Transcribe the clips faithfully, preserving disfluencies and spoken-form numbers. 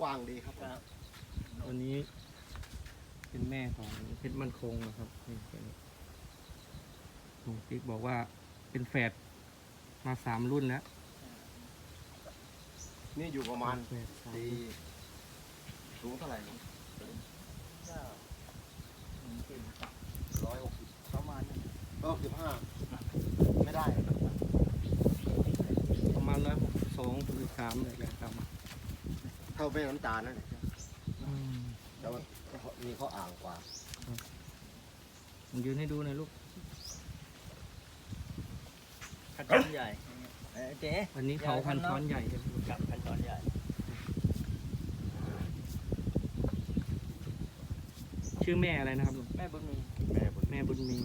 ว้างดีครับครับตัวนี้เป็นแม่ของเพชรมั่นคงนะครับนี่ตัวนี้ลุงติ๊กบอกว่าเป็นแฝดมาสามรุ่นแล้วนี่อยู่ประมาณแฝดสามตีรุ่นสูงเท่าไหร่ก็หนึ่งสี่ร้อยหกสิบประมาณนั้นร้อยหกสิบห้าไม่ได้ประมาณร้อยหกสิบสองหรือสามเลยแหละครับเท่าแม่น้ำตาลนั่นแหละอืมแต่ว่ามีข้ออ่างกว่าผมยืนให้ดูหน่อยลูกคันช้อนใหญ่เอ้ยเจ๊วันนี้เขาพันช้อนใหญ่ใช่ไหมลูกกับคันช้อนใหญ่ชื่อแม่อะไรนะครับลุงแม่บุญมีแม่บุญแม่บุญมี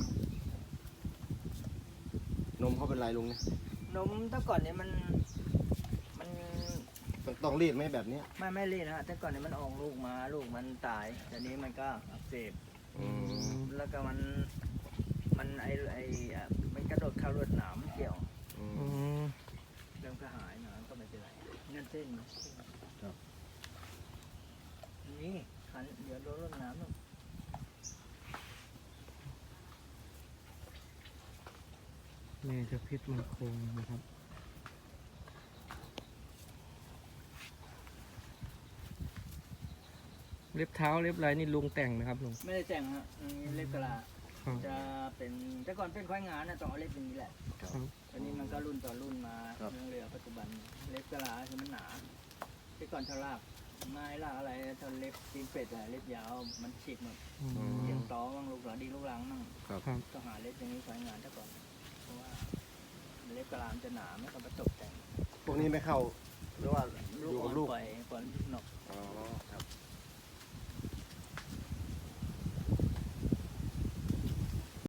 นมเขาเป็นไรลุงเนี่ยนมแต่ก่อนเนี่ยมันมันต้องต้องรีดไหมแบบเนี้ยไม่ไม่รีดนะฮะแต่ก่อนเนี่ยมันออกลูกมาลูกมันตายแต่นี้มันก็อักเสบอืมแล้วก็มันมันไอไออ่ะมันกระโดดเข้ารวดหนามเกี่ยวอือืมมเริ่มก็หายหนามก็ไม่เป็นไรนั่นเส้นนะครับ นี่ขันเดี๋ยวโดนรวดหนามลูกแม่จะเพชรมั่นคงนะครับ เล็บเท้าเล็บอะไรนี่ลุงแต่งนะครับลุงไม่ได้แต่งฮะอันนี้เล็บกะลาครับจะเป็นแต่ก่อนเป็นควายงานนะต้องเอาเล็บอย่างนี้แหละครับตอนนี้มันก็รุ่นต่อรุ่นมาเรื่องเรือปัจจุบันเล็บกะลาคือมันหนาแต่ก่อนถ้าลากไม้ลากอะไรถ้าเล็บตีนเป็ดอะเล็บยาวมันฉีกหมดอืมเสียงต้อบ้างลูกหลานดีลูกหลังมั่งครับครับต้องหาเล็บอย่างนี้ควายงานแต่ก่อนเพราะว่าเล็บกะลามันจะหนาไม่ต้องไปตกแต่งพวกนี้ไม่เข้าหรือว่าอลูกยู่อ่กัอบ นลูกปล่อยปล่อยนอก